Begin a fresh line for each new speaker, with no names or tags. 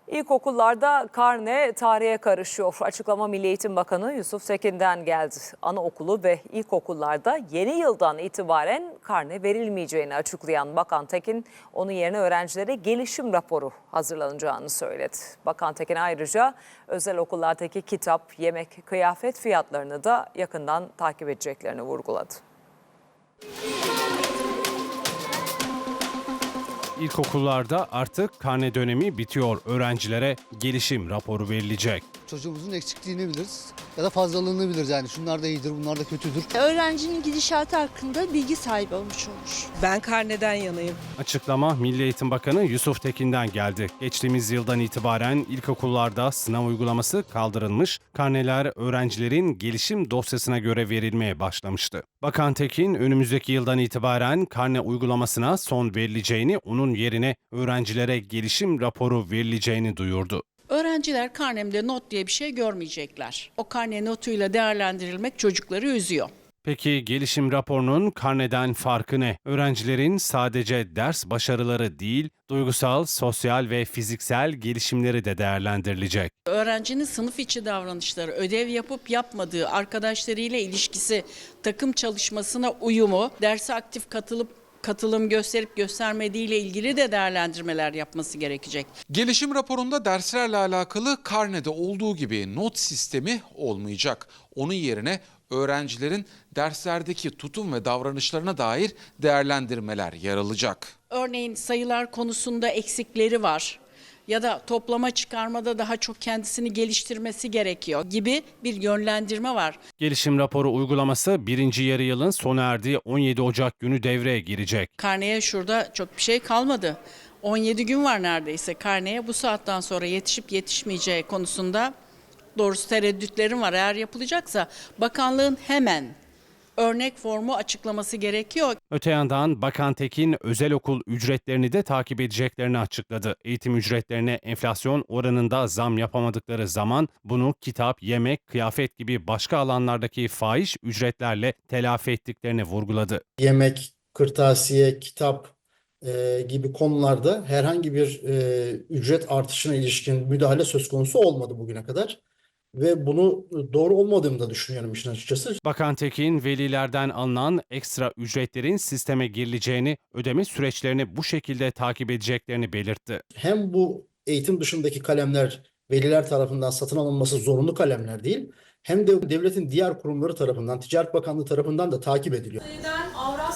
İlkokullarda karne tarihe karışıyor. Açıklama Milli Eğitim Bakanı Yusuf Tekin'den geldi. Anaokulu ve ilkokullarda yeni yıldan itibaren karne verilmeyeceğini açıklayan Bakan Tekin, onun yerine öğrencilere gelişim raporu hazırlanacağını söyledi. Bakan Tekin ayrıca özel okullardaki kitap, yemek, kıyafet fiyatlarını da yakından takip edeceklerini vurguladı.
İlkokullarda artık karne dönemi bitiyor. Öğrencilere gelişim raporu verilecek.
Çocuğumuzun eksikliğini biliriz ya da fazlalığını biliriz, yani şunlar da iyidir, bunlar da kötüdür.
Öğrencinin gidişatı hakkında bilgi sahibi olmuş olur.
Ben karneden yanayım.
Açıklama Milli Eğitim Bakanı Yusuf Tekin'den geldi. Geçtiğimiz yıldan itibaren ilkokullarda sınav uygulaması kaldırılmış, karneler öğrencilerin gelişim dosyasına göre verilmeye başlamıştı. Bakan Tekin, önümüzdeki yıldan itibaren karne uygulamasına son verileceğini, onun yerine öğrencilere gelişim raporu verileceğini duyurdu.
Öğrenciler karnemde not diye bir şey görmeyecekler. O karne notuyla değerlendirilmek çocukları üzüyor.
Peki gelişim raporunun karneden farkı ne? Öğrencilerin sadece ders başarıları değil, duygusal, sosyal ve fiziksel gelişimleri de değerlendirilecek.
Öğrencinin sınıf içi davranışları, ödev yapıp yapmadığı, arkadaşlarıyla ilişkisi, takım çalışmasına uyumu, derse aktif katılım gösterip göstermediğiyle ilgili de değerlendirmeler yapması gerekecek.
Gelişim raporunda derslerle alakalı karnede olduğu gibi not sistemi olmayacak. Onun yerine öğrencilerin derslerdeki tutum ve davranışlarına dair değerlendirmeler yer alacak.
Örneğin sayılar konusunda eksikleri var ya da toplama çıkarmada daha çok kendisini geliştirmesi gerekiyor gibi bir yönlendirme var.
Gelişim raporu uygulaması birinci yarı yılın sona erdiği 17 Ocak günü devreye girecek.
Karneye şurada çok bir şey kalmadı. 17 gün var neredeyse karneye. Bu saatten sonra yetişip yetişmeyeceği konusunda doğrusu tereddütlerim var. Eğer yapılacaksa bakanlığın hemen örnek formu açıklaması gerekiyor.
Öte yandan Bakan Tekin özel okul ücretlerini de takip edeceklerini açıkladı. Eğitim ücretlerine enflasyon oranında zam yapamadıkları zaman bunu kitap, yemek, kıyafet gibi başka alanlardaki fahiş ücretlerle telafi ettiklerini vurguladı.
Yemek, kırtasiye, kitap gibi konularda herhangi bir ücret artışına ilişkin müdahale söz konusu olmadı bugüne kadar. Ve bunu doğru olmadığını da düşünüyorum işin açıkçası.
Bakan Tekin, velilerden alınan ekstra ücretlerin sisteme girileceğini, ödeme süreçlerini bu şekilde takip edeceklerini belirtti.
Hem bu eğitim dışındaki kalemler veliler tarafından satın alınması zorunlu kalemler değil, hem de devletin diğer kurumları tarafından, Ticaret Bakanlığı tarafından da takip ediliyor.